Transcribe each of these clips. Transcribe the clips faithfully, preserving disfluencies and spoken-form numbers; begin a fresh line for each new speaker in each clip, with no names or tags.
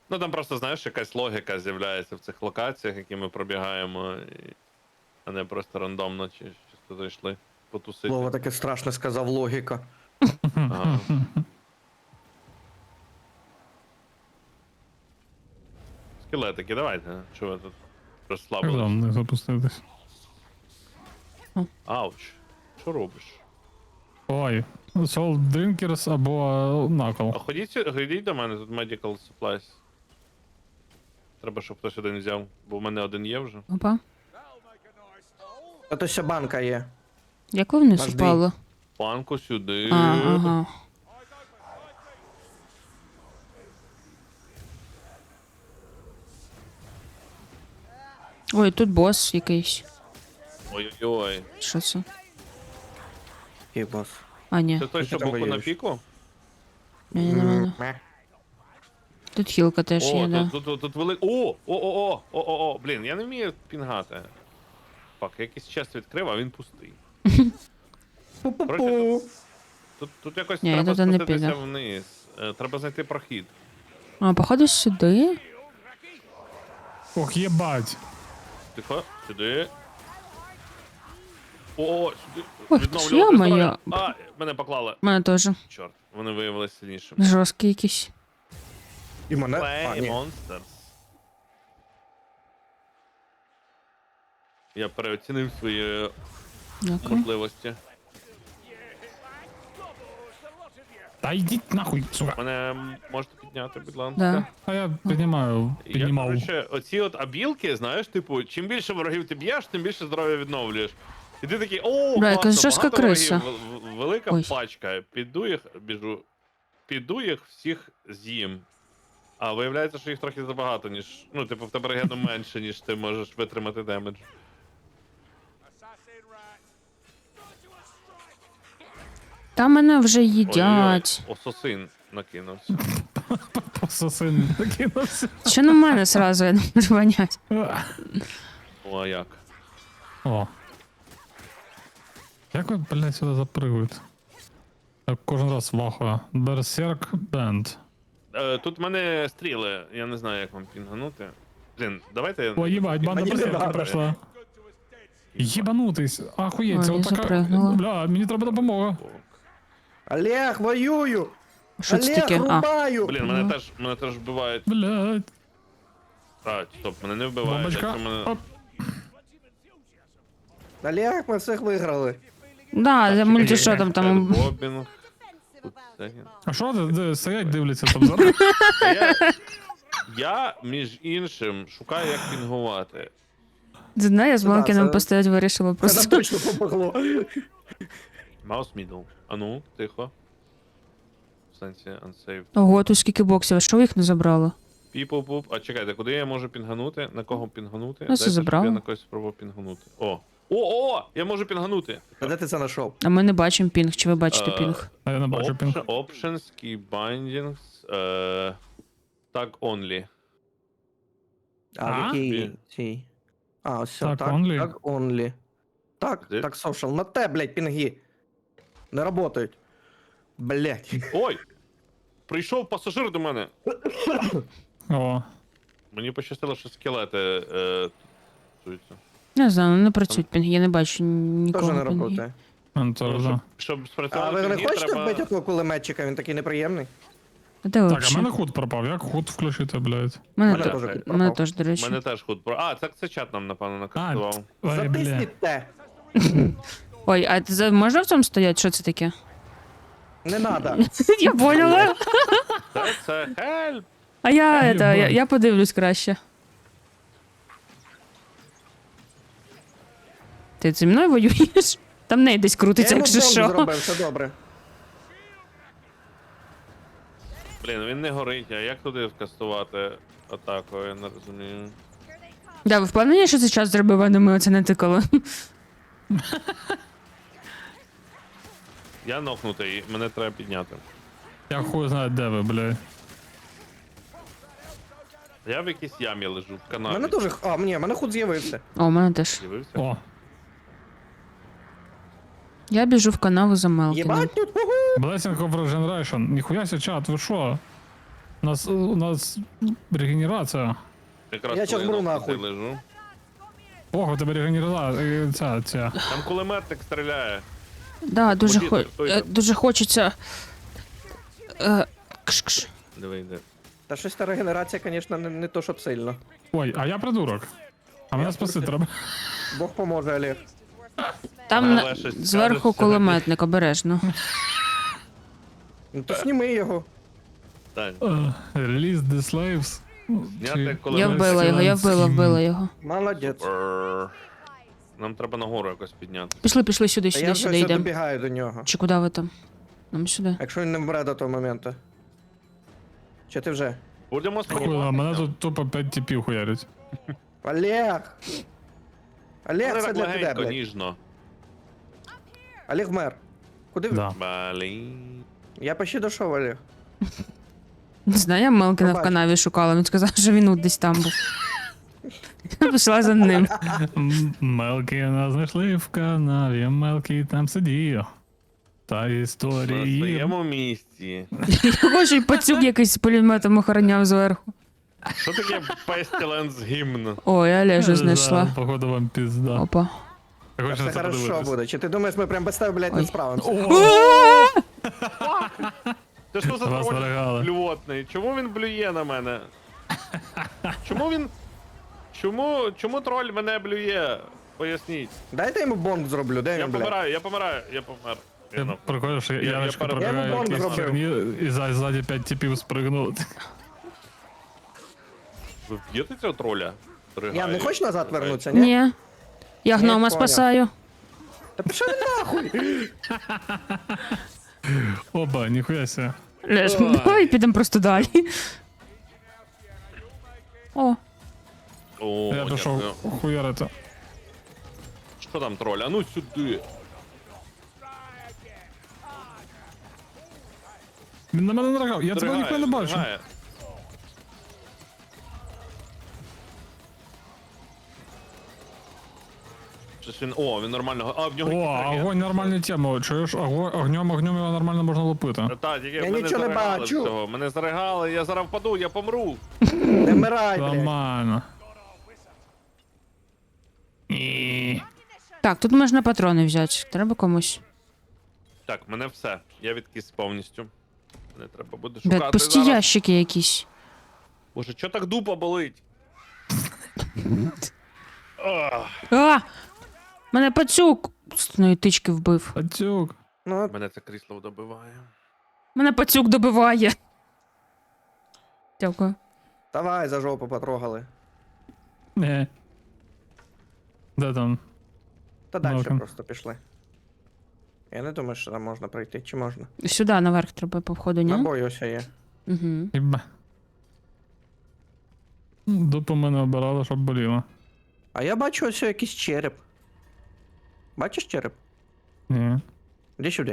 Ну там просто, знаєш, якась логіка з'являється в цих локаціях, які ми пробігаємо, і... а не просто рандомно чи чисто зайшли потусити.
Слово таке страшне сказав, логіка.
Ага. Скелетики, давайте. Що ви тут
Як
розслабились?
там не запуститись?
Ауч. Що робиш?
Ой. Soul Drinkers або
А
Knuckle.
ходіть, сю- ходіть до мене, тут medical supplies. Треба, щоб хтось один взяв, бо в мене один є вже.
Опа.
А то ще банка є.
Як ви вниз
Наш
упали?
Панку сюди.
А, ага. Ой, тут бос якийсь.
Ой-ой-ой.
Що це?
Який бос?
А, ні.
Це той, що
там
боку на
воюєш?
піку?
Ні, не мене.
Ме.
Тут хілка теж
О,
є, да.
тут, тут, тут, тут велик... О! О-о-о! О-о-о! Блін, я не вмію пінгати. Фак, я якийсь чест відкрив, а він пустий.
Пу-пу-пу.
Тут, тут якось
Ні, я
треба
туди не
спуститися
піду.
вниз. Е, Треба знайти прохід.
А, походу сюди?
Ох, єбать.
Тихо, сюди. О, сюди.
Ой,
Відновлювати
ё-моё.
здоров'я. А, мене поклали.
Мене теж.
Чорт, вони виявилися сильнішими.
Жорсткий якийсь.
І мене? А,
Play
ні.
Monsters. Я переоцінив свої
Дякую.
можливості.
Та йдіть нахуй, сука.
Мене можете підняти, будь ласка?
Да.
А я піднімаю,
Я,
піднімав.
коротше, оці от абілки, знаєш, типу, чим більше ворогів ти б'єш, тим більше здоров'я відновлюєш. І ти такий, о,
Бля, якась
класно,
жорстка
багато
криса.
ворогів, в- в- велика
Ой.
пачка, піду їх, біжу, піду їх всіх з'їм. А виявляється, що їх трохи забагато, ніж, ну, типу, в тебе регену менше, ніж ти можеш витримати демедж.
Та мене вже
Ой-ой-ой,
їдять.
ососин накинувся.
Пососин накинувся.
Що на мене сразу, я не можу понять.
О, а як?
О. Як ви, блядь, сюди запригуєте? Я кожен раз вахую. Berserk Band.
Е, тут в мене стріли, я не знаю, як вам пінганути. Блін, давайте я...
О, їбать, банда
Мені не
берсерки
надо.
пройшла. Єбанутись, ахуєть, це
Ой, я
отака...
запригнула.
Бля, мені треба допомога.
Олег, воюю!
Що це
Олег,
таке? А,
рубаю!
Блін, мене теж, мене теж вбивають.
Блядь.
А, стоп, мене не вбивають.
Бомбочка.
якщо мене...
Оп.
Олег, ми всіх виграли.
да, за мульті що там
Чекай,
там.
Бобінг. Тут це-
А що ти, де стоять, дивляться там зараз?
Я, я, між іншим, шукаю, як пінгувати.
Знаю, я з
Да,
Малкіном
це-
постоять вирішила
Це нам
просто.
точно помогло.
Маус мідл. А ну, тихо. В сенсі unsaved.
Ого, тут скільки боксів, а що ви їх не забрали?
People poop. А чекайте, куди я можу пінганути? На кого пінганути?
Ну, це
Дайте, щоб
забрало.
Я на когось спробував пінганути. О! О, о! Я можу пінганути!
А де ти це знайшов?
А ми не бачимо пінг, чи ви бачите
Е,
пінг?
А я не бачу пінг.
Option- Options, key bindings, е, tag only.
А,
А?
в якій
Ні.
цій? А, ось все,
Так,
так,
only?
так, only. Так,
Де?
так, social. На те, блядь, пінги. Не работають. Блядь.
Ой! Прийшов пасажир до мене.
О,
Мені пощастило, що скелети е, туються.
Не знаю, не працюють пінги, я не бачу
Теж
нікого
не
пінги.
работає.
ну, це
Ну,
вже.
щоб, щоб
А
спрацювати
ви не
пінги,
хочете
треба...
вбити того кулеметчика? Він такий неприємний.
А де ви
Так, а в
взагалі?
мене худ пропав. Як худ включити, блядь?
Мене
Мене
те-
теж
Мене
тут
Мене
пропав.
теж, до речі.
Мене теж худ про. А, так це чат нам, напевно,
А,
накастував.
ой, бля.
Затисніть те.
Ой, а це за- можна в цьому стояти? Що це таке?
Не надо.
Я поняла.
Це, це хельп!
А я,
Єбать.
это, я, я подивлюсь краще. Ти зі мною воюєш? Там неї десь
Я
крутиться,
йому
якщо
бомбу
що.
зробив, все добре.
Блін, він не горить, а як туди вкастувати атаку, я не розумію.
Да, ви впевнені, що це час зробив, а не ми оце не тикали?
Я нокнутий, мене треба підняти.
Я хуй знаю, де ви, блядь.
Я в якійсь ямі лежу, в
У
канаві.
мене теж. А, ні, в мене худ з'явився.
О, у мене теж.
З'явився?
О,
Я біжу в канаву за Мелкіном.
Єбать тут, угу.
Blessing of Regeneration. Ніхуя ся чат, ви що? У нас, у нас регенерація.
Якраз
Я щас
коли
беру
навпроти
нахуй.
лежу.
Ого, у тебе регенерація. Ця, ця.
Там кулеметник стріляє.
Да, дуже,
Ходіть,
хо...
стойте.
е, дуже хочеться. Е, кш-кш.
Диви, йде.
Та щось та регенерація, звісно, не, не то, щоб сильно.
Ой, а я придурок. А мене спасти треба.
Бог поможе, Олег.
Там
Але
на...
щось
зверху
скажеш,
кулеметник, обережно.
Ну то сніми його.
Так.
Release the slaves.
Зняти
Я
кулемет.
вбила його, я вбила, вбила його.
Молодець.
Бррр. Нам треба нагору якось підняти.
Пішли, пішли сюди,
А
сюди,
я вже
сюди
все
йдемо.
добігаю до нього.
Чи куди ви там? Нам сюди.
Якщо він не вмре до того моменту. Чи ти вже?
Будемо
Хуй, а
спробувати.
мене тут тупо п'ять типів хуярять.
Олег! Олег,
Але
це
так
для тебе,
легенько,
блядь.
ніжно.
Олег вмер. Куди ви?
Да.
Блін.
Я почти дійшов, Олег.
Не знаю, я Мелкіна в
Побач.
канаві шукала, він сказав, що він от десь там був. Я пішла за ним.
М, Мелкі нас знайшли в канаві, Мелкі там сидів. Та
На
історії.
своєму місці.
Його ж і пацюк якийсь з пулеметом охороняв зверху.
Що таке Pestilence гімн?
Ой, я Олежу
Да,
знайшла.
Походу вам пізда.
Опа.
Я хочу
Все
на це
хорошо
подивитись.
буде. Чи ти думаєш, ми прям без тебе, блядь, не
Ой.
справимося?
Це що за
Вас
троль
налягали.
блювотний? Чому він блює на мене? Чому він. Чому, чому троль мене блює? Поясніть.
Дайте йому бомб зроблю, де
Я
він, блядь?
помираю, я помираю, я помер. Я
Я
на-
прикольно, що
Я- я
Яночка
перед-
пробігає
Я бомбу
якісь
зробив.
херні, і за- ззаді п'ять типів спригнули.
Ви вб'єте цього троля?
Я не хочеш назад вернутися, ні?
Ні. Я гнома
поняв.
спасаю.
Та пішов він нахуй!
Опа, ніхуя ся.
Леш, давай підемо просто далі. О,
О,
Я пішов
дякую.
хуярити.
Що там троль? А ну сюди.
Він на мене нарагав, я тебе
Стригає,
ніхуя не бачу.
стригає. Щось він. О, він нормально. А, в нього
О,
якийсь реген.
огонь нормальна тема. Чуєш, огонь, огнем, огнем його нормально можна лупити.
Та, тільки
Я
мене
нічого не
заригали
бачу.
всього. Мене заригали, я зараз впаду, я помру.
Не вмирай, блядь.
Нормально. Ні.
так, тут можна патрони взяти. Треба комусь.
Так, мене все. Я відкис повністю. Не треба буде шукати
Блядь, пусті
зараз.
ящики якісь.
Боже, чо так дупа болить? Ах,
А! Мене пацюк з одної тички вбив.
Пацюк.
Ну, от,
мене це крісло добиває.
Мене пацюк добиває. Дякую.
давай за жопу потрогали.
Не. Де там?
Та далі
Нахуй.
просто пішли. Я не думаю, що там можна пройти, чи можна?
Сюди наверх треба по входу, ні?
Набої ось є.
Угу.
Хіба. Дупу мене обирали, щоб боліло.
А я бачу ось якийсь череп. Бачиш череп?
Ні.
Іди сюди.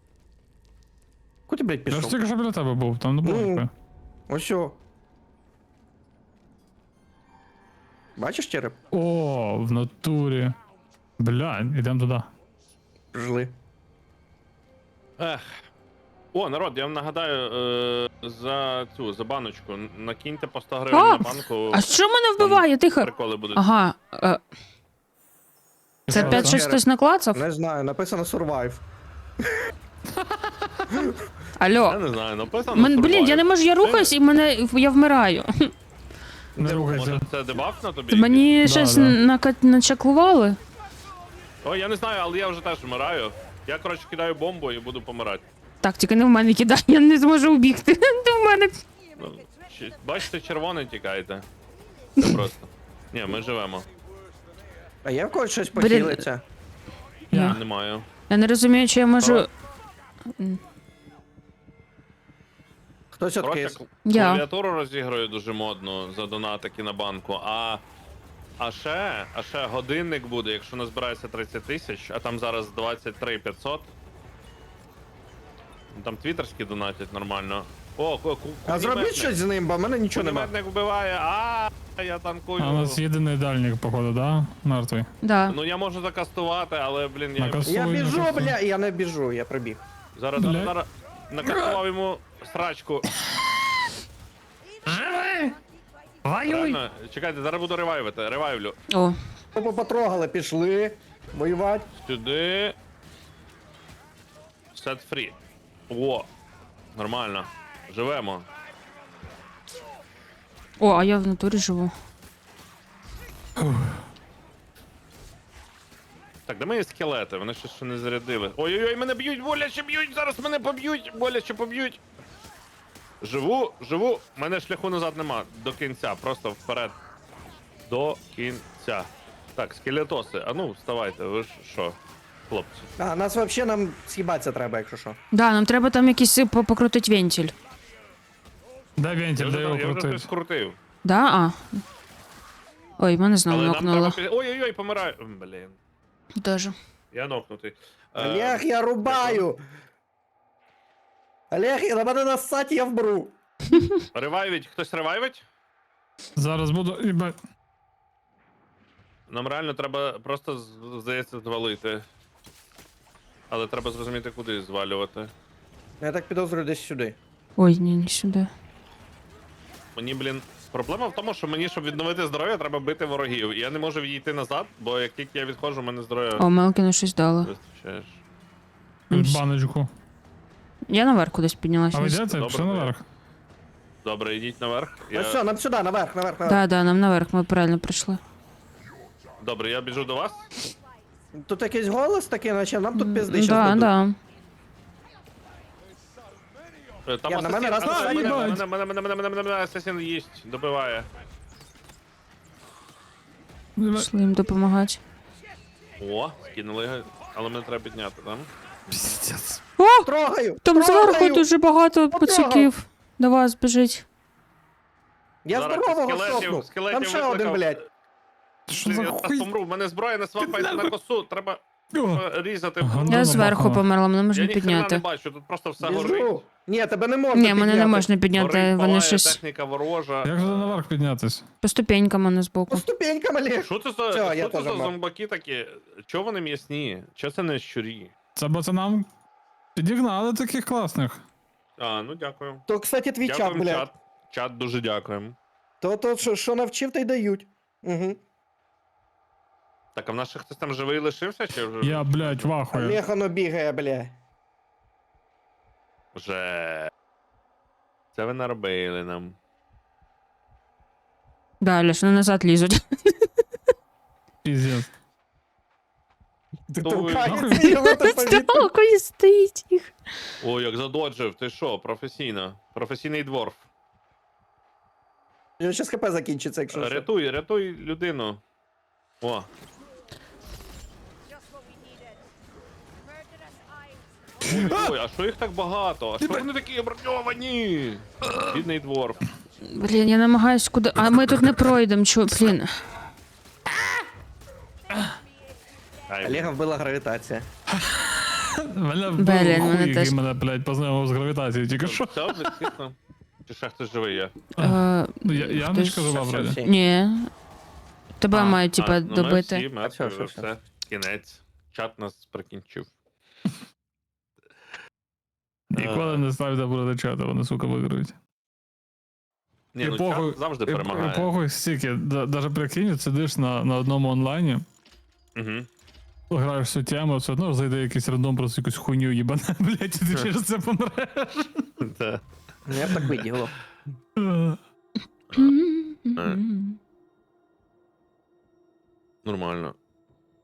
Куди, блядь,
Я ж
пішов?
тільки що біля тебе був, там не було
Ну.
ніхуя.
Ось о. Бачиш череп?
О, в натурі. Бля, ідемо туди.
Жили.
Ех. О, народ, я вам нагадаю е, за цю, за баночку. Накиньте по сто гривень
А!
на банку.
А що мене вбиває? Тихо.
Приколи будуть.
Ага. Е, це
Що
опять
це?
щось хтось наклацав?
Не знаю, написано survive.
Я
Алло.
не знаю, написано.
Мен, блін, я не
survive.
можу, я рухаюсь і мене я вмираю.
Не рухайся.
Може це дебаф на тобі?
Мені
Да,
щось
да.
нака- начаклували.
Ой, я не знаю, але я вже теж вмираю. Я, коротше, кидаю бомбу і буду помирати.
Так, тільки не в мене кидай, я не зможу убігти. Ти в мене.
Ну, чи- бачите, червоний тікаєте. Це просто. Ні, ми живемо.
А є в когось щось
Блін.
похилиться?
Я.
Не маю.
Я не розумію, чи я можу.
Хтось
Коротше,
откис.
кл-
Я.
клавіатуру розіграю дуже модно за донатики на банку, а. А ще, а ще годинник буде, якщо назбирається тридцять тисяч, а там зараз двадцять три п'ятсот. Там твіттерські донатять нормально. О, ку- ку-
А зробіть
кулеметник.
щось з ним, бо в мене нічого нема.
Кулеметник вбиває, а я танкую.
А у нас єдиний дальник, походу, да? Мертвий.
Да.
Ну я можу закастувати, але, блін, я
Накас-
Я
Ой,
біжу,
написано.
бля, я не біжу, я прибіг.
зараз,
Бля.
зараз, зараз накастував йому срачку.
Живи! Воюй!
Реально, чекайте, зараз буду ревайвити. Ревайвлю.
О,
Опа, потрогали, пішли. Воювати.
Сюди. Set free. О. Нормально. Живемо.
о, а я в натурі живу.
Так, де мої скелети? Вони щось ще не зарядили. Ой-ой-ой, мене б'ють, боляче б'ють, зараз мене поб'ють, боляче поб'ють. Живу, живу, мене шляху назад нема. До кінця, просто вперед. До кінця. Так, скелетоси, а ну, вставайте, ви ж що, хлопці.
А, нас вообще нам з'їбатися треба, якщо що.
Да, нам треба там якийсь по- покрутить вентиль.
Дай
Я
вентиль,
вже,
дай його
я вже щось
крутити.
скрутив.
Да? А. Ой, мене знову
Але нам треба...
нокнуло.
пі- Ой-ой-ой, помираю. М, Блін,
Тоже.
я нокнутий. Е,
Олег, я рубаю! Олег, на мене нассать, я вбру.
Ревайвить, хтось ревайвить?
Зараз буду. Їбать.
Нам реально треба просто, з- здається, звалити. Але треба зрозуміти, куди звалювати.
Я так підозрюю десь сюди.
Ой, ні, не сюди.
Мені, блін, проблема в тому, що мені, щоб відновити здоров'я, треба бити ворогів. І я не можу відійти назад, бо як тільки я відходжу, в мене здоров'я
О, Мелкіну щось дало.
вистачає.
Баночку.
Я наверх кудись піднялась.
А ви йдете?
Добре,
Пішли
добре.
наверх.
Добре, йдіть наверх.
Ну
Я...
все, нам сюди, наверх, наверх, наверх.
Да, да, нам наверх, ми правильно прийшли.
Добре, я біжу до вас.
Тут якийсь голос такий, наче нам тут пизди щас
Да,
дадуть.
да.
Е, Там
Я, на
асасін,
мене раз
а,
на
мене,
мене.
мене, мене, мене, мене, мене, мене, мене, асасін їсть, добиває.
Пішли їм допомагати.
О, скинули його, але мене треба підняти, там.
Піздець.
О!
Трогаю!
Там
трогаю!
зверху дуже багато
Потрогав.
пацюків. До вас біжить.
Я
Зараз
здорового
скелетів-
шокнув.
скелетів
Там ще один,
викликав.
блядь.
Що
Блін,
за
я зараз
хуй?
помру, в мене зброя не свапається на косу, треба
О,
е, різати.
Ага, ну,
Я
ну,
зверху
махала.
померла, мене
Я
можна
ніхрена не
підняти.
бачу, тут просто все горить.
Біжу. Ні, тебе не можна
Ні, мене не
підняти.
можна підняти,
Горить,
вони
палає,
щось
техніка ворожа.
Як же наверх піднятись?
по ступенькам вони
По
збоку.
ступенькам, Олег.
Що це за,
Всё, я
що це
теж
за
мав.
зомбаки такі? Чого вони м'ясні? Чого це не щурі?
Це пацанам підігнали таких класних.
А, ну дякую.
То, кстати, твій чат,
Дякуємо,
блядь.
чат. Чат дуже дякуємо.
То, то, що, що навчив, то й дають. Угу.
Так, а в нас ще хтось там живий лишився, чи вже?
Я, блядь, вахую.
Олег, воно бігає, бля.
Вже. Це ви наробили нам.
Далі, що назад лізуть.
Піздець.
Ти
То ви-
толкається його то повітря.
Сталко і стоїть їх.
О, як задоджив, ти що, професійно. Професійний дворф.
Його щас хп закінчиться, якщо що.
Рятуй, рятуй людину. О, ой, ой, а що їх так багато? А що вони такі броньовані? Бідний дворф.
Блін, я намагаюсь куди. А ми тут не пройдемо, чо, блін.
Ай,
Олега вбила гравітація.
Мене
Блін,
вбив
мене
хуй, який
теж.
мене, блядь, познайомив з гравітацією тільки що.
Все, вже тихо. Чи ще хтось живий є?
Е,
Ну, я, Яночка жива
Все,
вроді.
всі.
Ні. Тебе
А,
мають, типа,
а, ну, Ми
добити.
всі мертві,
все,
вже
все,
все. Кінець. Чат нас прикінчив.
Ніколи не ставте проти чату, вони, сука, виграють.
Ні,
І
ну
похуй-
чат завжди
І, і
перемагає.
похуй стільки, да- даже прикинь, сидиш на, на одному онлайні,
Угу.
граєш цю тему, все одно зайде якийсь рандом, просто якусь хуйню їбане, блядь, і ти через це помреш.
Да.
Ну, я б так виділо.
Нормально.